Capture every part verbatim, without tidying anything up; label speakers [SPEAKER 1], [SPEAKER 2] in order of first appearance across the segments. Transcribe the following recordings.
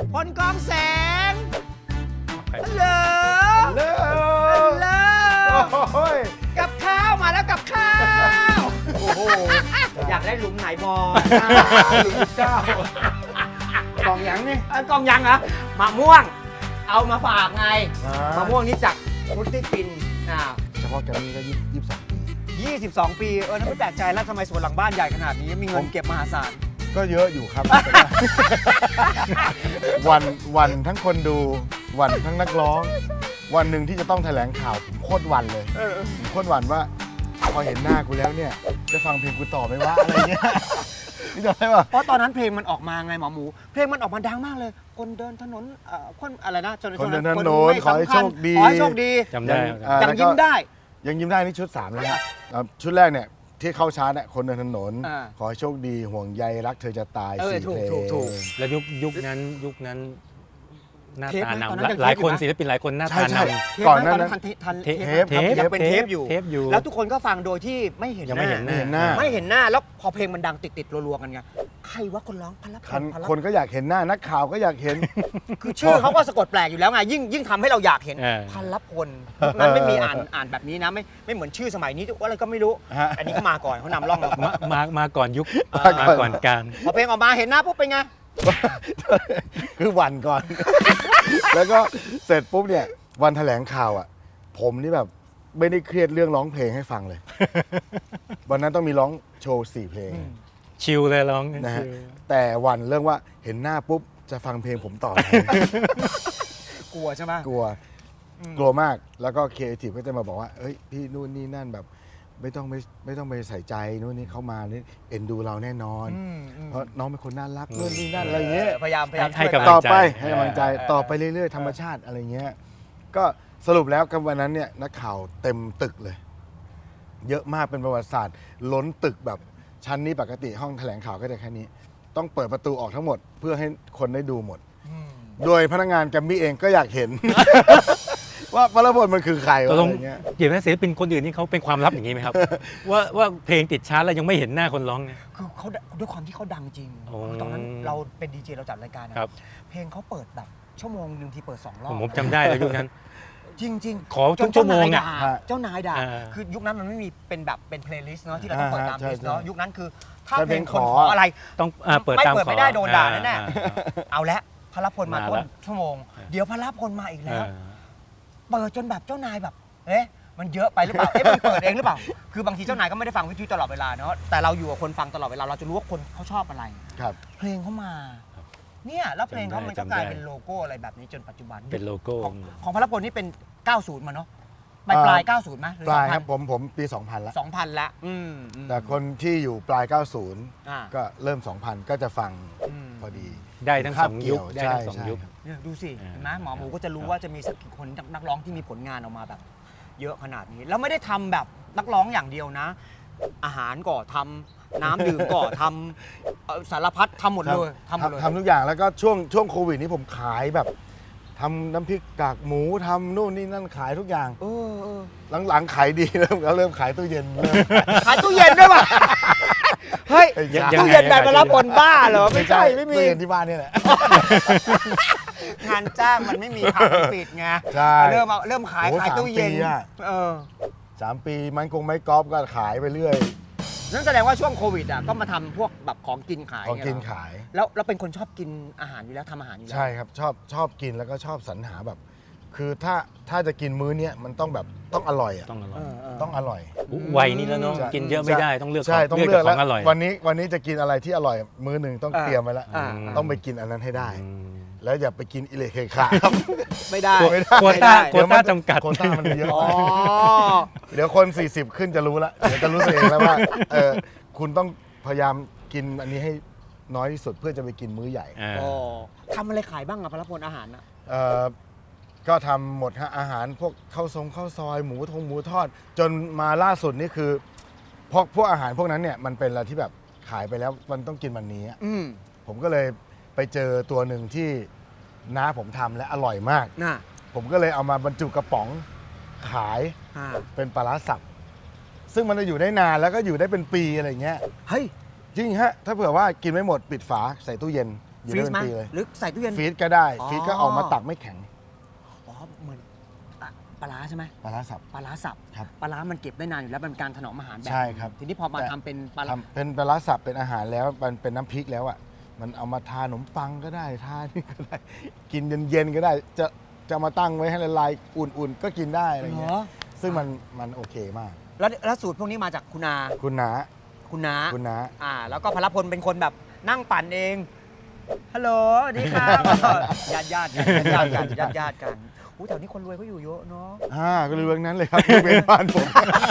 [SPEAKER 1] พลกองแสงฮัลโหล
[SPEAKER 2] เลิ
[SPEAKER 1] ฮัลโหล
[SPEAKER 2] โอ้ย
[SPEAKER 1] กับข้าวมาแล้วกับข้าว
[SPEAKER 2] โอ้โห
[SPEAKER 1] อยากได้หลุมไหนบอล
[SPEAKER 2] หลุมเจ้ากล่องยังนี่
[SPEAKER 1] เอ้ยกองยังเหรอมะม่วง เอามาฝากไง
[SPEAKER 2] อ่าม
[SPEAKER 1] มะม่วงนี้จากพุทธิปินอ่า
[SPEAKER 2] เฉพาะแกรมมี่ก็ยี่สิบสองปี
[SPEAKER 1] ยี่สิบสอง ปีเออนั่นไม่แปลกใจแล้วทำไมสวนหลังบ้านใหญ่ขนาดนี้มีเงินเก็บมหาศาล
[SPEAKER 2] ก็เยอะอยู่ครับ วันวันทั้งคนดูวันทั้งนักร้อง วันหนึ่งที่จะต้องแถลงข่าวผมโคตรวันเลยผมโคตรวันว่าพอเห็นหน้ากูแล้วเนี่ยจะฟังเพลงกูต่อไหมวะอะไรเงี้ยนี่จะได้ป่ะ
[SPEAKER 1] เพราะตอนนั้นเพลงมันออกมาไงหมอหมู เพลงมันออกมาดังมากเลย คนเดินถนนเอ่อคนอะไรนะจ
[SPEAKER 2] คนเดินถ
[SPEAKER 1] คน
[SPEAKER 2] นน
[SPEAKER 1] ไม่
[SPEAKER 2] ขอให้
[SPEAKER 1] สำคัญ
[SPEAKER 2] โชคดี
[SPEAKER 1] ขอให้โชคดี
[SPEAKER 3] จำได้
[SPEAKER 2] อ่า
[SPEAKER 1] ยังยิ้มได้
[SPEAKER 2] ยังยิ้มได้นี่ชุดสามแล้วนะอ่าชุดแรกเนี่ยที่เข้าชาร์ตเนี่ยคนเดินถนน
[SPEAKER 1] อ่า
[SPEAKER 2] ขอให้โชคดีห่วงใยรักเธอจะตาย
[SPEAKER 1] เออ
[SPEAKER 2] สี่
[SPEAKER 1] ถูก
[SPEAKER 2] เพลง
[SPEAKER 1] ถูกถูก
[SPEAKER 3] แล้วยุคยุคนั้นยุคนั้นหน้า
[SPEAKER 1] เทป
[SPEAKER 3] ตา
[SPEAKER 1] นะตอน
[SPEAKER 3] นำ
[SPEAKER 1] นั้นยัง
[SPEAKER 3] หลาย
[SPEAKER 1] เทปอยู่
[SPEAKER 3] คน
[SPEAKER 1] นะ
[SPEAKER 3] ศิลปินหลายคนหน้า
[SPEAKER 2] ใช่
[SPEAKER 3] ตา
[SPEAKER 2] ใช่
[SPEAKER 3] น
[SPEAKER 1] เทป
[SPEAKER 2] ก่อน
[SPEAKER 1] ไหม
[SPEAKER 2] หนั้า
[SPEAKER 1] ตอน
[SPEAKER 2] นั้น
[SPEAKER 1] ทันทัน
[SPEAKER 3] เทป
[SPEAKER 1] เทป
[SPEAKER 2] เทป
[SPEAKER 1] ไหม
[SPEAKER 2] ครับ
[SPEAKER 1] ยังเป็นเทปอยู่
[SPEAKER 3] เทปอยู่
[SPEAKER 1] แล้วทุกคนก็ฟังโดยที่ไม่เห็น
[SPEAKER 3] ยังไม่เห็น
[SPEAKER 2] ไม่เห็นหน้า
[SPEAKER 1] ไม่เห็นหน้าแล้วพอเพลงมันดังติดติดๆรัวๆกันไงใครว่าคนร้องพันละ
[SPEAKER 2] คัน
[SPEAKER 1] พันละ
[SPEAKER 2] คนก็อยากเห็นหน้านักข่าวก็อยากเห็น
[SPEAKER 1] คือชื่อเขาก็สะกดแปลกอยู่แล้วไงยิ่งยิ่งทำให้เราอยากเห็น
[SPEAKER 3] เออ
[SPEAKER 1] พันละพลนั้นไม่มีอ่านอ่านแบบนี้นะไม่ไม่เหมือนชื่อสมัยนี้อะไรก็ไม่รู้
[SPEAKER 2] ฮะ
[SPEAKER 1] อันนี้ก็มาก่อนเขานำร่องเราก่อน
[SPEAKER 3] มามามาก่อนยุค
[SPEAKER 2] มาก่อน
[SPEAKER 3] มาก่อนการ
[SPEAKER 1] พอเพลงออกมาเห็นหน้าปุ๊บเป็นไง
[SPEAKER 2] คือวันก่อน แล้วก็เสร็จปุ๊บเนี่ยวันแถลงข่าวอ่ะ ผมนี่แบบไม่ได้เครียดเรื่องร้องเพลงให้ฟังเลย วันนั้นต้องมีร้องโชว์สี่เพลง
[SPEAKER 3] ชิลเลยร้อง
[SPEAKER 2] นะฮะ
[SPEAKER 3] ชิล
[SPEAKER 2] แต่วันเรื่องว่าเห็นหน้าปุ๊บจะฟังเพลงผมต่อไหม
[SPEAKER 1] กลัวใช่ไหม
[SPEAKER 2] กลัว กลัวมาก แล้วก็ครีเอทีฟก็จะมาบอกว่า เอ้ย พี่นู่นนี่นั่นแบบ ไม่ต้องไม่ไม่ต้องไปใส่ใจนู่นนี่เขามานี่เอ็นดูเราแน่นอน
[SPEAKER 1] อืมอืม
[SPEAKER 2] เพราะน้องเป็นคนน่ารักนู่นนี่นั่นอะไรเงี้ย
[SPEAKER 1] พยายามพยายาม
[SPEAKER 3] ให้
[SPEAKER 1] ช่วย
[SPEAKER 3] กำลัง
[SPEAKER 2] ต่อไป
[SPEAKER 3] ใจ
[SPEAKER 2] ให้กำลังใจ
[SPEAKER 1] เออ
[SPEAKER 2] ต่อไปเรื่อยๆ ธรรมชาติอะไรเงี้ย ก็สรุปแล้วกับวันนั้นเนี่ยนักข่าวเต็มตึกเลย เยอะมากเป็นประวัติศาสตร์ ล้นตึกแบบชั้นนี้ปกติห้องแถลงข่าวก็จะแค่นี้ ต้องเปิดประตูออกทั้งหมด เพื่อให้คนได้ดูหมด
[SPEAKER 1] อืม
[SPEAKER 2] โดยพนักงานแกรมมี่เองก็อยากเห็น ว่าพระพลมันคือใคร
[SPEAKER 3] ต
[SPEAKER 2] วะ
[SPEAKER 3] ก
[SPEAKER 2] อะ
[SPEAKER 3] ลง
[SPEAKER 2] ไรเงี้ย
[SPEAKER 3] เดี๋ยวนะศิลปินคนอื่นนี่เขาเป็นความลับอย่างนี้ไหมครับ ว่าว่าเพลงติดชาร์ตแล้วยังไม่เห็นหน้าคนร้องเนี่ย
[SPEAKER 1] คือเขาด้วยความที่เขาดังจริง
[SPEAKER 3] โอ้
[SPEAKER 1] คือตอนนั้นเราเป็นดีเจเราจัดรายการนะครับ เพลงเขาเปิดแบบชั่วโมงหนึ่งทีเปิดสองรอบ
[SPEAKER 3] ผมผมจำได้แล้วยุคนั้น
[SPEAKER 1] จริงจริง
[SPEAKER 3] ขอทุกชั่วโมง
[SPEAKER 1] เจ้า
[SPEAKER 3] อะ
[SPEAKER 1] นายด่าเจ้านายด่า
[SPEAKER 3] อ่า
[SPEAKER 1] คือยุคนั้นมันไม่มีเป็นแบบเป็นเพลย์ลิสต์เนาะที่เราต้องเปิดตาม
[SPEAKER 2] ใช่
[SPEAKER 1] ลิสต์เนาะ
[SPEAKER 2] ใช่
[SPEAKER 1] ยุคนั้นคือ ถ้า
[SPEAKER 2] ถ้า
[SPEAKER 1] เพลง
[SPEAKER 2] เพ
[SPEAKER 1] ค
[SPEAKER 2] ลง
[SPEAKER 1] น
[SPEAKER 2] ขอ
[SPEAKER 1] ขออะไร
[SPEAKER 3] ต้องอ่าเปิด
[SPEAKER 1] ไม่
[SPEAKER 3] ตาม
[SPEAKER 1] เปิด
[SPEAKER 3] ขอ
[SPEAKER 1] ไม่ได้โดนด่า
[SPEAKER 3] อ่
[SPEAKER 1] แน่
[SPEAKER 3] อ่า
[SPEAKER 1] ๆเอาละพลพลมา
[SPEAKER 3] มา
[SPEAKER 1] ต้น
[SPEAKER 3] ละ
[SPEAKER 1] ชั่วโมง เดี๋ยวพลพลมาอีกแล้ว
[SPEAKER 3] อ่า
[SPEAKER 1] เปิดจนแบบเจ้านายแบบ เอ๊ะ มันเยอะไปหรือเปล่า เอ๊ะ มันเปิดเองหรือเปล่า คือบางทีเจ้านายก็ไม่ได้ฟังวิทยุตลอดเวลาเนาะ แต่เราอยู่กับคนฟังตลอดเวลา เราจะรู้ว่าคนเขาชอบอะไร
[SPEAKER 2] ครับ
[SPEAKER 1] เพลงเขามา เนี่ย แล้วเพลงเขามันก็
[SPEAKER 3] จำได้
[SPEAKER 1] กลายเป็นโลโก้อะไรแบบนี้จนปัจจุบัน
[SPEAKER 3] เป็นโลโก้
[SPEAKER 1] ของของพลพลนี่เป็น เก้าสิบ มาเนาะปลายปลาย เก้าสิบไหมหรือ
[SPEAKER 2] ปลาย
[SPEAKER 1] สอง
[SPEAKER 2] ค
[SPEAKER 1] พั
[SPEAKER 2] รั
[SPEAKER 1] น
[SPEAKER 2] บผมผมปี สองพัน แล้ว
[SPEAKER 1] สองพันละอืมอืม
[SPEAKER 2] แต่คนที่อยู่ปลาย เก้าสิบ
[SPEAKER 1] อ่า
[SPEAKER 2] ก็เริ่ม สองพัน ก็จะฟัง
[SPEAKER 1] อืม
[SPEAKER 2] พอดี
[SPEAKER 3] ได้ทั้งสองยุค
[SPEAKER 2] คาบเกี่
[SPEAKER 3] ได้
[SPEAKER 2] ยว
[SPEAKER 3] ทั้งสอง
[SPEAKER 2] ใช่
[SPEAKER 3] ยุค
[SPEAKER 2] ใช่
[SPEAKER 1] เนี่ยดูสิ
[SPEAKER 3] อ่า
[SPEAKER 1] เห็นไหมหมอหมูก็จะรู้
[SPEAKER 3] ครับ
[SPEAKER 1] ว่าจะมีสักกี่คนนักร้องที่มีผลงานออกมาแบบ เยอะขนาดนี้ แล้วไม่ได้ทำแบบนักร้องอย่างเดียวนะ อาหารก็ทำน้ำดื่มก็ทำเอ่อสารพัดทำหมดเลยทำหมดเลย
[SPEAKER 2] ทำทุกอย่างแล้วก็ช่วงช่วงโควิดนี้ผมขายแบบทำน้ำพริกกากหมูทำนู่นนี่นั่นขายทุกอย่าง
[SPEAKER 1] เออเออ
[SPEAKER 2] หลังๆขายดี เริ่มแล้วเริ่มขายตู้เย็นเริ่ม
[SPEAKER 1] ขายตู้เย็นด้วยป่ะ เฮ้ย
[SPEAKER 3] ยังไง
[SPEAKER 1] ตู้เย็นแบบมารับผลบ้าเหรอ ไม่ใช่ ไม่มี
[SPEAKER 2] ตู้เย็นที่บ้านนี่แหละ
[SPEAKER 1] งานจ้างมันไม่มีผับปิดไง
[SPEAKER 2] ใช่
[SPEAKER 1] เริ่มเอาเริ่มขาย
[SPEAKER 2] โอ้
[SPEAKER 1] ขายตู้เย็น
[SPEAKER 2] สามปีอะ
[SPEAKER 1] เออ
[SPEAKER 2] สามปีมันคงไม่กอล์ฟก็ขายไปเรื่อย
[SPEAKER 1] นั่นแสดงว่าช่วงโควิดอ่ะก็มาทำพวกแบบของกินขาย
[SPEAKER 2] ของกิน
[SPEAKER 1] เยเหร
[SPEAKER 2] ขาย
[SPEAKER 1] แล้วเราเป็นคนชอบกินอาหารอยู่แล้วทำอาหารอยู่แล้ว
[SPEAKER 2] ใช่ครับชอบชอบกินแล้วก็ชอบสรรหาแบบ คือถ้าถ้าจะกินมื้อเนี้ยมันต้องแบบต้องอร่อยอ่ะ
[SPEAKER 3] ต้องอร่อ
[SPEAKER 1] เอย อเออ
[SPEAKER 2] ต้องอร่อย
[SPEAKER 3] วัยนี้แล้วเนาะ
[SPEAKER 2] ใช่
[SPEAKER 3] กินเยอะไม่ได้ต้องเลือก
[SPEAKER 2] ใช่ต้อง
[SPEAKER 3] เลื
[SPEAKER 2] เลื
[SPEAKER 3] อ
[SPEAKER 2] อก ก
[SPEAKER 3] แต่ข
[SPEAKER 2] แล้
[SPEAKER 3] อ
[SPEAKER 2] ว
[SPEAKER 3] งอร่อย
[SPEAKER 2] วันนี้วันนี้จะกินอะไรที่อร่อย มื้อหนึ่งต้อง
[SPEAKER 1] อ่า
[SPEAKER 2] เตรียมไว้แล้ว
[SPEAKER 1] อ่า
[SPEAKER 2] ต้องไปกินอันนั้นให้ได้
[SPEAKER 3] อืม
[SPEAKER 2] แล้วอย่าไปกินอิเล็กเคขาครับ
[SPEAKER 1] ไม่ได้
[SPEAKER 2] ไม่ได้
[SPEAKER 3] โคว
[SPEAKER 1] ไม่
[SPEAKER 3] ต้า
[SPEAKER 1] ได้
[SPEAKER 3] โควต้าจำกัด
[SPEAKER 2] โควต้ามันเยอะ
[SPEAKER 1] อ๋อ
[SPEAKER 2] เดี๋ยวคน สี่สิบ ขึ้นจะรู้ละเดี๋ยวจะรู้ตัวเองแล้วว่าเออคุณต้องพยายามกินอันนี้ให้น้อยที่สุดเพื่อจะไปกินมื้อใหญ่
[SPEAKER 3] อ่า
[SPEAKER 1] อ๋อทำอะไรขายบ้างอะพลพลอาหารอะ
[SPEAKER 2] เอ่อก็ทำหมดฮะอาหารพวกข้าวทรงข้าวซอยหมูทงหมูทอด จนมาล่าสุดนี่คือพวกพวกอาหารพวกนั้นเนี่ยมันเป็นอะไรที่แบบขายไปแล้วมันต้องกินวันนี้อะ
[SPEAKER 1] อืม
[SPEAKER 2] ผมก็เลยไปเจอตัวหนึ่งที่น้าผมทำและอร่อยมาก
[SPEAKER 1] น่ะ
[SPEAKER 2] ผมก็เลยเอามาบรรจุกระป๋องขาย
[SPEAKER 1] อ่า
[SPEAKER 2] เป็นปลาร้าสับซึ่งมันจะอยู่ได้นานแล้วก็อยู่ได้เป็นปีอะไรเงี้ย
[SPEAKER 1] เฮ้ย
[SPEAKER 2] จริงฮะถ้าเผื่อว่ากินไม่หมดปิดฝาใส่ตู้เย็นอยู่
[SPEAKER 1] ฟรี
[SPEAKER 2] ได้
[SPEAKER 1] ซ
[SPEAKER 2] เป็
[SPEAKER 1] ไหม
[SPEAKER 2] นปีเลย
[SPEAKER 1] หรือใส่ตู้เย็น
[SPEAKER 2] ฟรีซก็ได้
[SPEAKER 1] อ๋อ
[SPEAKER 2] ฟรีซก็ออกมาตักไม่แข็ง
[SPEAKER 1] อ๋อเหมือนอ่ะปลาร้าใช่ไหม
[SPEAKER 2] ปลาร้าสับ
[SPEAKER 1] ปลาร้าสับ
[SPEAKER 2] ครับ
[SPEAKER 1] ปลาร้ามันเก็บได้นานอยู่แล้วมันเป็นการถนอมอาหารแบบ
[SPEAKER 2] ใช่ครับ
[SPEAKER 1] ทีนี้พอมา
[SPEAKER 2] แต่
[SPEAKER 1] ทำเป็นปลาร้า
[SPEAKER 2] ทำเป็นปลาร้าสับเป็นอาหารแล้วมันเป็นน้ำพริกแล้วอ่ะมันเอามาทาขนมปังก็ได้ทานี่ก็ได้ กินเย็นๆก็ได้ จะจะมาตั้งไว้ให้ละลายอุ่นๆ ก็กินได้อะไร
[SPEAKER 1] เหร
[SPEAKER 2] เงี้
[SPEAKER 1] อย
[SPEAKER 2] ซึ่งมันมันโอเคมาก
[SPEAKER 1] แล้วแล้วสูตรพวกนี้มาจากคุณอา
[SPEAKER 2] คุณน้า
[SPEAKER 1] คุณน้า
[SPEAKER 2] คุณน้า
[SPEAKER 1] อ่า แล้วก็พลพลเป็นคนแบบนั่งปั่นเองฮัลโหลสวัสดีครับ ญาติญาติกันญาติกันญาติญาติกันอู้แถวนี้คนรวยเขาอยู่เยอะเนาะ
[SPEAKER 2] อ่าก็เลยเรื่องนั้นเลยครับยกเป็นบ้านผม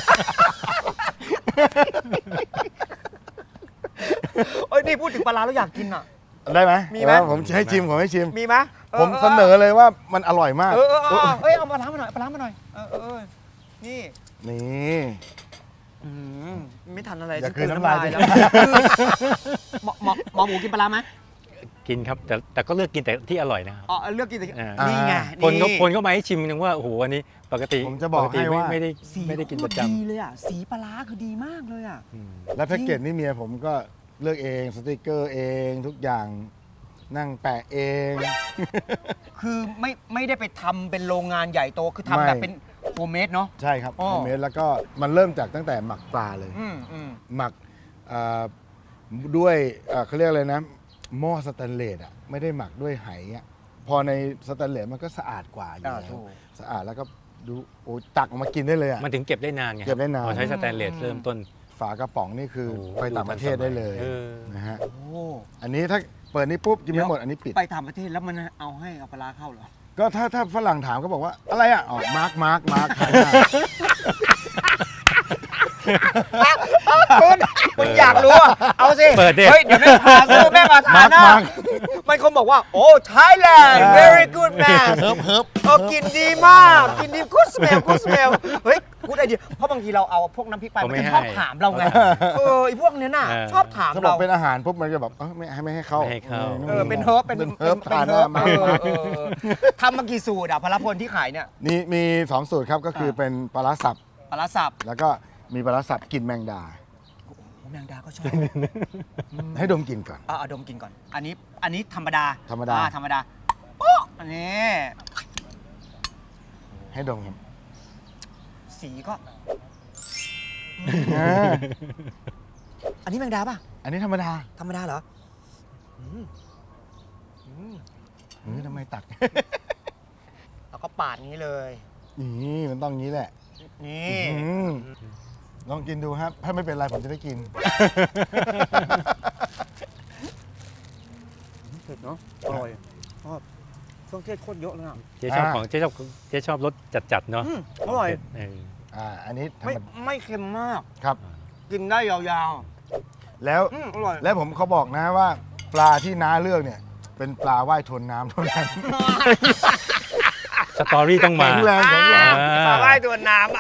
[SPEAKER 1] เอ้ยนี่พูดถึงปลาร้าแล้วอยากกินอ่ะ
[SPEAKER 2] ได้ไหม
[SPEAKER 1] มีไหม
[SPEAKER 2] เออผมให้ชิมผมให้ชิม
[SPEAKER 1] มีไหม
[SPEAKER 2] ผมเสนอเลยว่ามันอร่อยมาก
[SPEAKER 1] เออเออเออเออเอ้ยเอาปลาร้ามาหน่อยปลาร้ามาหน่อยเออเออเออนี่
[SPEAKER 2] นี่
[SPEAKER 1] อืมไม่ทันอะไร
[SPEAKER 2] อย่า
[SPEAKER 1] ฉั
[SPEAKER 2] กลืนน้ำลาย
[SPEAKER 1] แล้วหมอหมอหมอหมูกินปลาร้าไหม
[SPEAKER 3] กินครับแต่แต่ก็เลือกกินแต่ที่อร่อยนะครับ
[SPEAKER 1] อ๋อเลือกกินแต่
[SPEAKER 3] อ่า
[SPEAKER 1] นี่ไง
[SPEAKER 3] คนก็
[SPEAKER 1] นี่
[SPEAKER 3] คนก็มาให้ชิมนึงว่าโอ้โหอันนี้ปกติ
[SPEAKER 2] ผมจะบอก
[SPEAKER 3] ปติ
[SPEAKER 2] ให้ว่า
[SPEAKER 3] ไม่ไม่ได้
[SPEAKER 1] สี
[SPEAKER 3] ไม่ได้กินประ
[SPEAKER 1] โค
[SPEAKER 3] จ
[SPEAKER 1] ตดีเลยอ่ะสีปลาร้าคือดีมากเลยอ่ะ
[SPEAKER 3] ำอืม
[SPEAKER 2] และแพ็กเกจนี่เมียผมก็เลือกเองสติกเกอร์เองทุกอย่างนั่งแปะเอง
[SPEAKER 1] คือไม่ไม่ได้ไปทำเป็นโรงงานใหญ่โตคือทำแบบ
[SPEAKER 2] ไม่
[SPEAKER 1] เป็นโฮมเมดเนาะ
[SPEAKER 2] ใช่ครับ
[SPEAKER 1] อ๋อ
[SPEAKER 2] โฮมเมดแล้วก็มันเริ่มจากตั้งแต่หมักปลาเลย
[SPEAKER 1] อืมอืม
[SPEAKER 2] หมักเอ่อด้วยเอ่อเขาเรียกอะไรนะหม้อสแตนเลสอ่ะไม่ได้หมักด้วยไหอ่ะพอในสแตนเลสมันก็สะอาดกว่าอยู่
[SPEAKER 1] อ่า
[SPEAKER 2] แล้
[SPEAKER 1] ถู
[SPEAKER 2] ว
[SPEAKER 1] ก
[SPEAKER 2] สะอาดแล้วก็ดูโอ้ตักออกมากินได้เลยอ่ะ
[SPEAKER 3] มันถึงเก็บได้นานไง
[SPEAKER 2] เก็บได้นาน
[SPEAKER 3] พอใช้สแตนเลส
[SPEAKER 1] อืม
[SPEAKER 3] เริ่มต้น
[SPEAKER 2] ฝากระป๋องนี่คือ
[SPEAKER 3] โอ้โห
[SPEAKER 2] ไปต่างประเทศได้เลย
[SPEAKER 3] เออ
[SPEAKER 2] นะฮะ
[SPEAKER 1] โอ้
[SPEAKER 2] อันนี้ถ้าเปิดนี่ปุ๊บกินไม่หมดอันนี้ปิด
[SPEAKER 1] ไปต่างประเทศแล้วมันเอาให้เอาปลาร้าเข้าเหรอ
[SPEAKER 2] ก็ถ้าถ้าฝรั่งถามก็บอกว่าอะไรอ่ะอ๋อมาร์กมาร์กมาร์ก
[SPEAKER 1] คุณคุณอยากรู้อ่ะเอาสิ
[SPEAKER 3] เปิดดิ
[SPEAKER 1] เฮ้ยเดี๋ยวแม่พาสู้แม่มาทานนะ
[SPEAKER 2] มาร์ค
[SPEAKER 1] มันคงบอกว่าโอ้ Thailand very good man
[SPEAKER 2] เฮิบเฮิบ
[SPEAKER 1] เออกินดีมาก กินดี good smell good smell เฮ้ยกูดไอเดียเพราะบางทีเราเอาพวกน้ำพริกไป
[SPEAKER 3] เขา
[SPEAKER 1] มัน
[SPEAKER 3] ไม่
[SPEAKER 1] จะ
[SPEAKER 3] ให้
[SPEAKER 1] ชอบถามเราไง เออไอพวกเนี้ยน่ะ
[SPEAKER 3] เออ
[SPEAKER 1] ชอบถาม
[SPEAKER 2] ถ้าบอก
[SPEAKER 1] เรา
[SPEAKER 2] เป็นอาหารปุ๊บมันจะแบบเออไม่ให้ไม่ให้เข้า
[SPEAKER 3] ไม่ให้เข้า
[SPEAKER 1] เออเป็นเฮิร์บเป็น
[SPEAKER 2] เป็นเฮิร์บ
[SPEAKER 1] เป็น
[SPEAKER 2] ทาน
[SPEAKER 1] เฮิร์บ
[SPEAKER 2] มา
[SPEAKER 1] เออเออเออทำมากี่สูตรอ่ะพลพลที่ขายเนี่ย
[SPEAKER 2] นี่มีสองสูตรครับก็คือเป็นปลาร้าสับ
[SPEAKER 1] ปลาร้าสับ
[SPEAKER 2] แล้วก็มีปลาร้าสับกลิ่นแมงดา
[SPEAKER 1] โอ้แมงดาก็ชอบ
[SPEAKER 2] ให้ดมกลิ่นก่อน
[SPEAKER 1] เอาเอาดมกินก่อน อันนี้อันนี้ธรรมดา
[SPEAKER 2] ธรรมดา
[SPEAKER 1] อ่ธรรมดาโป๊ะอันนี้
[SPEAKER 2] ให้ดมครับ
[SPEAKER 1] สีก็
[SPEAKER 2] อ่า
[SPEAKER 1] อันนี้แมงดาป่ะ
[SPEAKER 2] อันนี้ธรรมดา
[SPEAKER 1] ธรรมดาเหรออืมอืม
[SPEAKER 2] เออทำไมตัก
[SPEAKER 1] แล้วก็ปาดนี้เลย
[SPEAKER 2] นี่มันต้องงี้แหละ
[SPEAKER 1] นี่
[SPEAKER 2] อืมลองกินดูครับ ถ้าไม่เป็นไรผมจะได้กิน
[SPEAKER 1] เผ็ดเนาะอร่อยชอบเครื่องเทศโคตรเยอะเลยอ่ะ
[SPEAKER 3] เจ๊ชอบ
[SPEAKER 2] อ่า
[SPEAKER 3] ของเจ๊ชอบเจ๊ชอบรสจัดๆเนาะ
[SPEAKER 1] อืมอร่อย
[SPEAKER 3] เออ
[SPEAKER 2] อ่า อันนี้ธรร
[SPEAKER 1] ไม่
[SPEAKER 2] มดา
[SPEAKER 1] ไม่เค็มมาก
[SPEAKER 2] ครับ
[SPEAKER 1] กินได้ยาว
[SPEAKER 2] แล้ว
[SPEAKER 1] ๆอืมอร่อย
[SPEAKER 2] แล้วผมเขาบอกนะว่า ปลาที่น้าเลือกเนี่ย เป็นปลาว่ายทนน้ำเท่านั้น
[SPEAKER 3] สตอรี่ต้องมา
[SPEAKER 2] แข็งแรงแข็งแรง
[SPEAKER 3] อ่า
[SPEAKER 1] ปลาว่ายตัวน้ำอ่ะ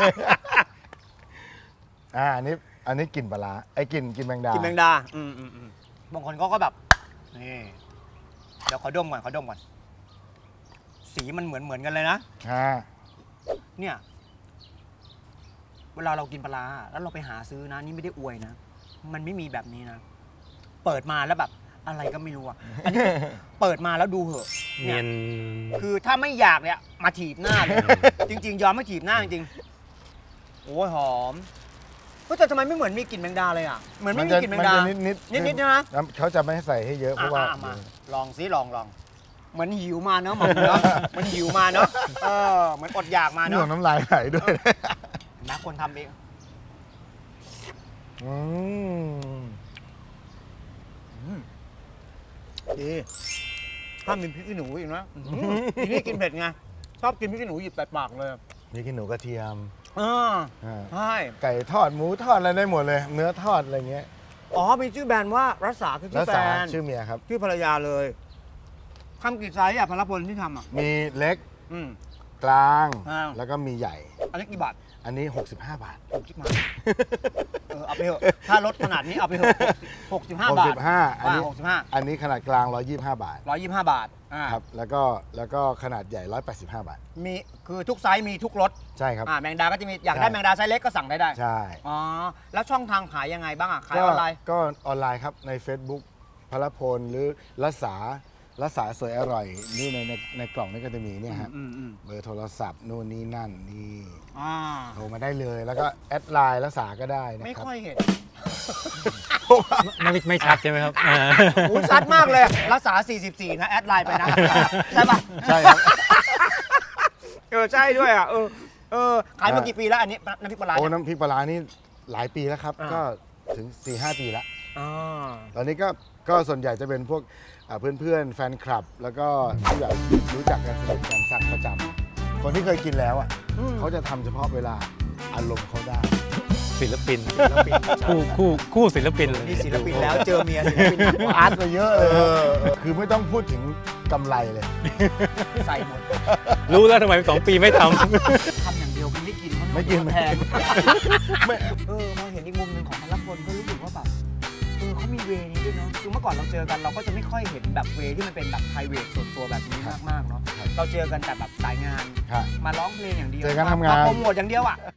[SPEAKER 2] อ่า อันนี้ อันนี้กลิ่นปลาร้าไอ้กลิ่นกลิ่นแมงดา
[SPEAKER 1] กินแมงดา อืมอืมอืมบางคนเขาก็แบบ นี่ เดี๋ยวขอดมก่อนขอดมก่อน สีมันเหมือนเหมือนกันเลยนะ
[SPEAKER 2] อ่า
[SPEAKER 1] เนี่ย เวลาเรากินปลาร้าแล้วเราไปหาซื้อนะ นี่ไม่ได้อวยนะ มันไม่มีแบบนี้นะ เปิดมาแล้วแบบอะไรก็ไม่รู้อ่ะ อันนี้เปิดมาแล้วดูเหอะ
[SPEAKER 3] เนียน
[SPEAKER 1] คือถ้าไม่อยากเนี่ยมาถีบหน้าเลย จริง ๆ ยอมไม่ถีบหน้าจริงๆโอ้ยหอมก็แต่ทำไมไม่เหมือนมีกลิ่นแมงดาเลยอ่ะ เหมือนไม่มีกลิ่นแมงดา
[SPEAKER 2] นิดนิด
[SPEAKER 1] นิดๆนะ
[SPEAKER 2] แล้วเขาจะไม่ให้ใส่ให้เยอะเพราะว่า
[SPEAKER 1] อ่ะมาลองซิลองลองเหมือนหิวมาเนอะหมอเนาะเหมันหิวมาเนอะเออเหมือนอดอยากมา
[SPEAKER 2] เนื้
[SPEAKER 1] เนาะ
[SPEAKER 2] อน้ำลายไหลด้วย
[SPEAKER 1] นะคนทำเอง
[SPEAKER 2] อืม
[SPEAKER 1] ดีถ้ามีพริกขี้หนูอีกนะอื้อหือทีนี่กินเผ็ดไงชอบกินพริกขี้หนูหยิบใส่ปากเลย
[SPEAKER 2] นี่กินหนูกระเทียม
[SPEAKER 1] เออ
[SPEAKER 2] อ่า
[SPEAKER 1] ใช่
[SPEAKER 2] ไก่ทอดหมูทอดอะไรได้หมดเลย เนื้อทอดอะไรเงี้ย
[SPEAKER 1] อ๋อมีชื่อแบรนด์ว่ารัศาคือ
[SPEAKER 2] แล้
[SPEAKER 1] ชื่
[SPEAKER 2] ว
[SPEAKER 1] อแบร
[SPEAKER 2] สาน
[SPEAKER 1] ด์
[SPEAKER 2] ชื่อเมียครับ
[SPEAKER 1] ชื่อภรรยาเลยทำกี่ไซส์อ่ะพลพลที่ทำอ่ะ
[SPEAKER 2] มีเล็ก
[SPEAKER 1] อืม
[SPEAKER 2] กลาง
[SPEAKER 1] อ่า
[SPEAKER 2] แล้วก็มีใหญ่
[SPEAKER 1] อันนี้กี่บาท
[SPEAKER 2] อันนี้ หกสิบห้า บาท
[SPEAKER 1] หกสิบมาเออเอาไปเถอะถ้ารถขนาดนี้เอาไปเถอะหกสิบห้าบาท
[SPEAKER 2] หกสิบห้าอันนี้
[SPEAKER 1] หกสิบห้า
[SPEAKER 2] อันนี้ขนาดกลาง หนึ่งร้อยยี่สิบห้า บาท
[SPEAKER 1] ร้อยยี่สิบห้าบาทอ่า
[SPEAKER 2] ครับ แล้วก็แล้วก็ขนาดใหญ่ หนึ่งร้อยแปดสิบห้า บาท
[SPEAKER 1] มีคือทุกไซส์มีทุกรส
[SPEAKER 2] ใช่ครับ
[SPEAKER 1] อ่าแมงดาก็จะมีอยากได้
[SPEAKER 2] ใช่
[SPEAKER 1] แมงดาไซส์เล็กก็สั่งได้ได้
[SPEAKER 2] ใช่
[SPEAKER 1] อ๋อแล้วช่องทางขายยังไงบ้างอ่ะขาย
[SPEAKER 2] ก็
[SPEAKER 1] ออนไลน์
[SPEAKER 2] ก็ออนไลน์ครับใน Facebook พลพลหรือรัษารัษาสวยอร่อยนี่ในในในกล่องนี่ก็จะมีเนี่ยฮะ
[SPEAKER 1] อืมอืม
[SPEAKER 2] เบอร์โทรศัพท์นู่นนี่นั่นนี่
[SPEAKER 1] อ่า
[SPEAKER 2] โทรมาได้เลย แล้วก็แอดไลน์รัษาก็ได้นะ
[SPEAKER 1] ไม่
[SPEAKER 2] ครับ
[SPEAKER 1] ค่อยเห็น
[SPEAKER 3] ไม่ไม่ชัดใช่ไหมครับอ่า
[SPEAKER 1] โอ้ชัดมากเลย รักษา สี่สิบสี่ นะ แอดไลน์ไปนะ ใช่ปะ
[SPEAKER 2] ใช่ครับ
[SPEAKER 1] เออ ใช่ด้วยอ่ะ เออ เออ ขายมากี่ปีแล้ว อันนี้น้ำพริกปลาร้า
[SPEAKER 2] โอ้
[SPEAKER 1] เนี่ย
[SPEAKER 2] น้ำพริกปลาร้านี่หลายปีแล้วครับ
[SPEAKER 1] อ่า
[SPEAKER 2] ก็ถึง สี่ห้า ปีแล้ว
[SPEAKER 1] อ่า
[SPEAKER 2] ตอนนี้ก็ก็ส่วนใหญ่จะเป็นพวกอ่าเพื่อนๆ แฟนคลับ แล้วก็ที่แบบรู้จักกันสนิทกันสั่งประจำคนที่เคยกินแล้วอ่ะ
[SPEAKER 1] อืม
[SPEAKER 2] เขาจะทำเฉพาะเวลาอารมณ์เขาได้
[SPEAKER 3] ศิลปิน
[SPEAKER 1] ศิลปิน
[SPEAKER 3] คู่คู่คู่ศิลปินเลย
[SPEAKER 1] นี่ศิลปินแล้วเจอเมียศิลปินหนักกว่า
[SPEAKER 2] อาร์ตมาเยอะเลยคือไม่ต้องพูดถึงกำไรเลย
[SPEAKER 1] ใส่หมด
[SPEAKER 3] รู้แล้วทำไมสองปีไม่ท
[SPEAKER 1] ทำอย่างเดียวมันไม่กินมัน
[SPEAKER 2] ไม่กิน
[SPEAKER 1] แพง
[SPEAKER 2] ไม่
[SPEAKER 1] เออมาเห็นอีกมุมหนึ่งของพลพลก็รู้สึกว่าแบบเออเขามีเวนี้ด้วยเนาะคือเมื่อก่อนเราเจอกันเราก็จะไม่ค่อยเห็นแบบเวที่มันเป็นแบบไพรเวทส่วนตัวแบบนี้มากๆเนาะเราเจอกันแต่แบบสายงาน
[SPEAKER 2] ครับ
[SPEAKER 1] มาร้องเพลงอย่างเดียว
[SPEAKER 2] เจอกันทำงาน
[SPEAKER 1] มาโปรโมทอย่างเดียวอ่ะ